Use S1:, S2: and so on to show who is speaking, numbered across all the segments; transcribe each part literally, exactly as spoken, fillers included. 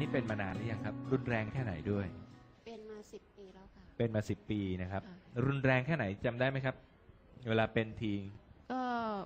S1: เป็นมานานหรือยังครับรุนแรงแค่ไหนด้วย
S2: เป็นมาสิบปีแล้วค่ะ
S1: เป็นมาสิบปีนะครับรุนแรงแค่ไหนจำได้ไหมครับเวลาเป็นที
S2: ก็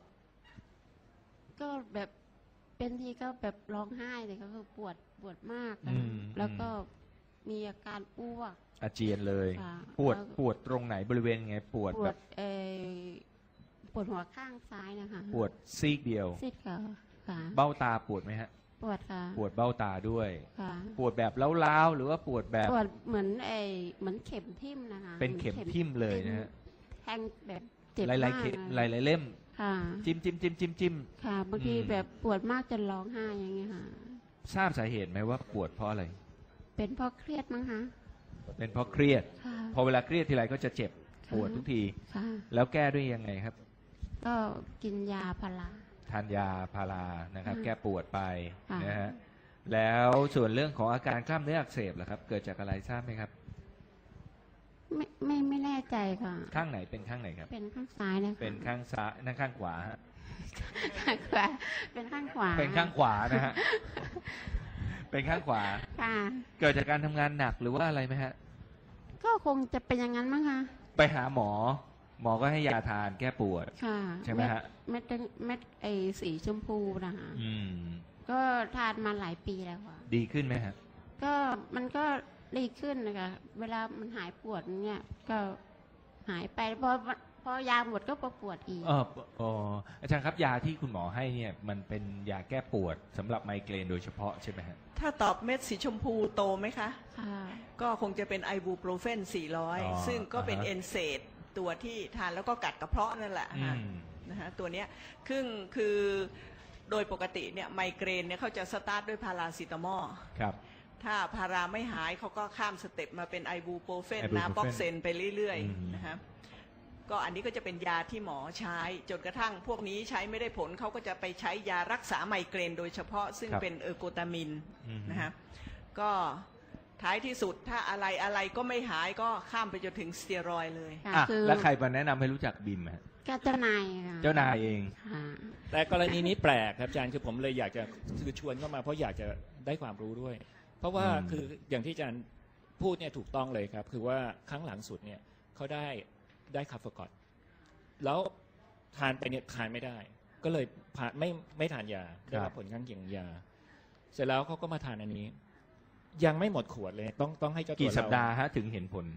S2: ก็แบบเป็นทีก็แบบร้องไห้เลยก็คือปวดปวดมากแล้วก็มีอาการอ้วก
S1: อาเจียนเลยปวดปวดตรงไหนบริเวณไงปวดแบบ
S2: เออปวดหัวข้างซ้ายนะคะ
S1: ปวดซีกเดียว
S2: ซีกค่ะ
S1: เบ้าตาปวดไหมฮะ
S2: ปวดค่ะ
S1: ปวดเบ้าตาด้วยปวดแบบเล้าๆหรือว่าปวดแบบ
S2: ปวดเหมือนไอเหมือนเข็มทิ่มนะคะ
S1: เป็นเข็มทิ่มเลยนะฮะ
S2: แทงแบบเจ็บ
S1: มากหลายๆหลายๆเล่มจิ้มจิ้มจิ้มจิ้มจิ้ม
S2: ค่ะบางทีแบบปวดมากจนร้องไห้อย่างเงี้ยค่ะ
S1: ทราบสาเหตุไหมว่าปวดเพราะอะไร
S2: เป็นเพราะเครียดมั้งคะ
S1: เป็นเพราะเครียดพอเวลาเครียดทีไรก็จะเจ็บปวดทุกทีแล้วแก้ด้วยยังไงครับ
S2: ก็กินยาพารา
S1: ทานยาพารานะครับแก้ปวดไปนะฮะแล้วส่วนเรื่องของอาการกล้ามเนื้ออักเสบล่ะครับเกิดจากอะไรทราบไหมครับ
S2: ไม่ไม่ไม่แน่ใจค่ะ
S1: ข้างไหนเป็นข้างไหนครับ
S2: เป็นข้างซ้ายนะคะ
S1: เป็นข้างซ้ายนั่นข้างขวาฮะ
S2: ข้างขวาเป็นข้างขวา
S1: เป็นข้างขวานะฮะเป็นข้างขวา
S2: ค่ะ
S1: เกิดจากการทำงานหนักหรือว่าอะไรไหมฮะ
S2: ก็คงจะเป็นอย่างนั้นมั้งคะ
S1: ไปหาหมอหมอก็ให้ยาทานแก้ปวดใช่ไหมฮะ
S2: เม็ดเม็ดไอสีชมพูนะคะก็ทานมาหลายปีแล้วค่ะ
S1: ดีขึ้นไหมฮะ
S2: ก็มันก็ดีขึ้นนะคะเวลามันหายปวดเนี่ยก็หายไปพอพอยาหมดก็ปวดอีก
S1: เอออ๋ออาจารย์ครับยาที่คุณหมอให้เนี่ยมันเป็นยาแก้ปวดสำหรับไมเกรนโดยเฉพาะใช่ไหมฮะ
S3: ถ้าตอบเม็ดสีชมพูโตไหมคะ
S2: ค่ะ
S3: ก็คงจะเป็นไอบูโปรเฟนสี่ร้อยซึ่งก็เป็นเอนเซดตัวที่ทานแล้วก็กัดกระเพาะนั่นแหละนะฮะตัวเนี้ยคือคือโดยปกติเนี่ยไมเกรนเนี่ยเขาจะสตาร์ทด้วยพาราซิตามอล
S1: ครับ
S3: ถ้าพาราไม่หายเขาก็ข้ามสเต็ปมาเป็นไอบูโปรเฟนนาบ็อกเซนไปเรื่อยๆนะฮะก็อันนี้ก็จะเป็นยาที่หมอใช้จนกระทั่งพวกนี้ใช้ไม่ได้ผลเขาก็จะไปใช้ยารักษาไมเกรนโดยเฉพาะซึ่งเป็นเออร์โกตามินนะฮะก็ท้ายที่สุดถ้าอะไรอะไรก็ไม่หายก็ข้ามไปจนถึงสเตียรอยด์เลย
S1: แล้วใครมาแนะนำให้รู้จักบิมฮะ
S2: เจ้านาย
S1: เจ้านายเอง
S4: แต่กรณีนี้แปลกครับอาจารย์คือผมเลยอยากจะคือชวนเข้ามาเพราะอยากจะได้ความรู้ด้วยเพราะว่าคืออย่างที่อาจารย์พูดเนี่ยถูกต้องเลยครับคือว่าครั้งหลังสุดเนี่ยเขาได้ได้คาเฟอร์กอตแล้วทานไปเนี่ยทานไม่ได้ก็เลยผ่านไม่ไม่ทานยาได้รับผลข้างเคียงยาเสร็จแล้วเขาก็มาทานอันนี้ยังไม่หมดขวดเลยต้องต้องให้เจ้าตัว
S1: กี่สัปดาห์ฮะถึงเห็นผล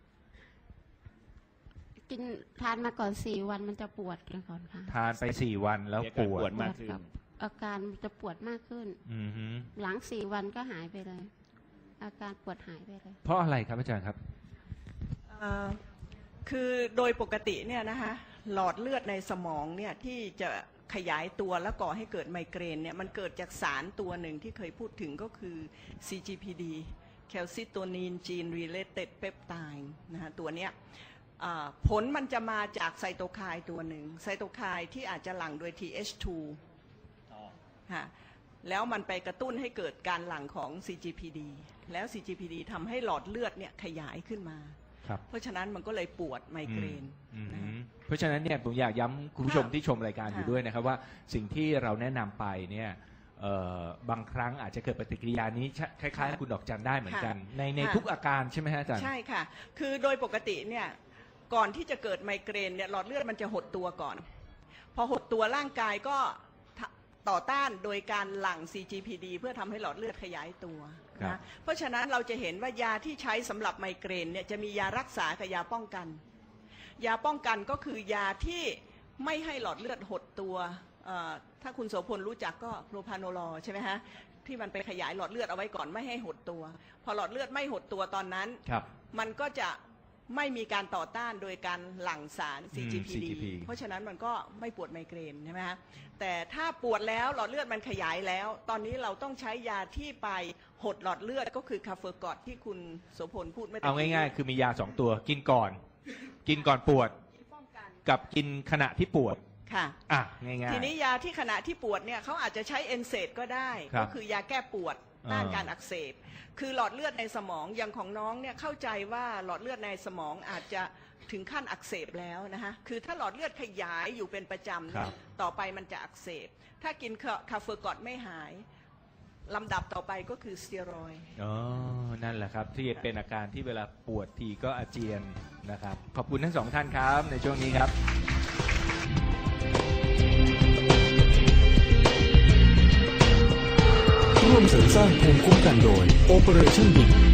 S2: กินทานมาก่อนสี่วันมันจะปวดก่อนค่ะ
S1: ทานไปสี่วันแล้วปวด
S4: มากขึ้น
S2: อาการจะปวดมากขึ้นหลังสี่วันก็หายไปเลยอาการปวดหายไปเลย
S1: เพราะอะไรครับอาจารย์ครับ
S3: คือโดยปกติเนี่ยนะคะหลอดเลือดในสมองเนี่ยที่จะขยายตัวและก่อให้เกิดไมเกรนเนี่ยมันเกิดจากสารตัวหนึ่งที่เคยพูดถึงก็คือ ซี จี พี ดี Calcitonin Gene Related Peptide นะฮะตัวเนี้ยผลมันจะมาจากไซโตไคน์ตัวหนึ่งไซโตไคน์ที่อาจจะหลั่งโดย ที เอช ทู ฮะแล้วมันไปกระตุ้นให้เกิดการหลั่งของ ซี จี พี ดี แล้ว ซี จี พี ดี ทำให้หลอดเลือดเนี่ยขยายขึ้นมาเพราะฉะนั้นมันก็เลยปวดไมเกรน
S1: เพราะฉะนั้นเนี่ยผมอยากย้ำคุณผู้ชมที่ชมรายการอยู่ด้วยนะครับว่าสิ่งที่เราแนะนำไปเนี่ยบางครั้งอาจจะเกิดปฏิกิริยานี้คล้ายๆคุณดอกจันได้เหมือนกันในในทุกอาการใช่ไหมฮะอาจารย์
S3: ใช่ค่ะคือโดยปกติเนี่ยก่อนที่จะเกิดไมเกรนเนี่ยหลอดเลือดมันจะหดตัวก่อนพอหดตัวร่างกายก็ต่อต้านโดยการหลั่ง ซี จี พี ดี เพื่อทำให้หลอดเลือดขยายตัวนะเพราะฉะนั้นเราจะเห็นว่ายาที่ใช้สำหรับไมเกรนเนี่ยจะมียารักษากับยาป้องกันยาป้องกันก็คือยาที่ไม่ให้หลอดเลือดหดตัวถ้าคุณโสพลรู้จักก็โพรพาโนลอใช่ไหมฮะที่มันไปขยายหลอดเลือดเอาไว้ก่อนไม่ให้หดตัวพอหลอดเลือดไม่หดตัวตอนนั้นมันก็จะไม่มีการต่อต้านโดยการหลั่งสาร ซี จี พี ดี เพราะฉะนั้นมันก็ไม่ปวดไมเกรนใช่ไหมฮะแต่ถ้าปวดแล้วหลอดเลือดมันขยายแล้วตอนนี้เราต้องใช้ยาที่ไปหดหลอดเลือดก็คือคาเฟอร์กอตที่คุณโสพลพูดไม่ได้
S1: เอาง่ายๆคือมียาสองตัวกินก่อนกินก่อนปวดกับกินขณะที่ปวด
S3: ค่ะ
S1: อ่ะง่ายๆ
S3: ทีนี้ยาที่ขณะที่ปวดเนี่ยเขาอาจจะใช้เอนเซดก็ได้ก็คือยาแก้ปวดต้านการอักเสบคือหลอดเลือดในสมองอย่างของน้องเนี่ยเข้าใจว่าหลอดเลือดในสมองอาจจะถึงขั้นอักเสบแล้วนะคะคือถ้าหลอดเลือดขยายอยู่เป็นประจำต่อไปมันจะอักเสบถ้ากินคาเฟอร์กอตไม่หายลำดับต่อไปก็คือสเตียรอยด์
S1: อ๋อ นั่นแหละครับ ที่เป็นอาการที่เวลาปวดทีก็อาเจียนนะครับ ขอบคุณทั้งสองท่านครับในช่วงนี้ครับ
S5: ร่วมเสริมสร้างภูมิคุ้มกันโดย Operation B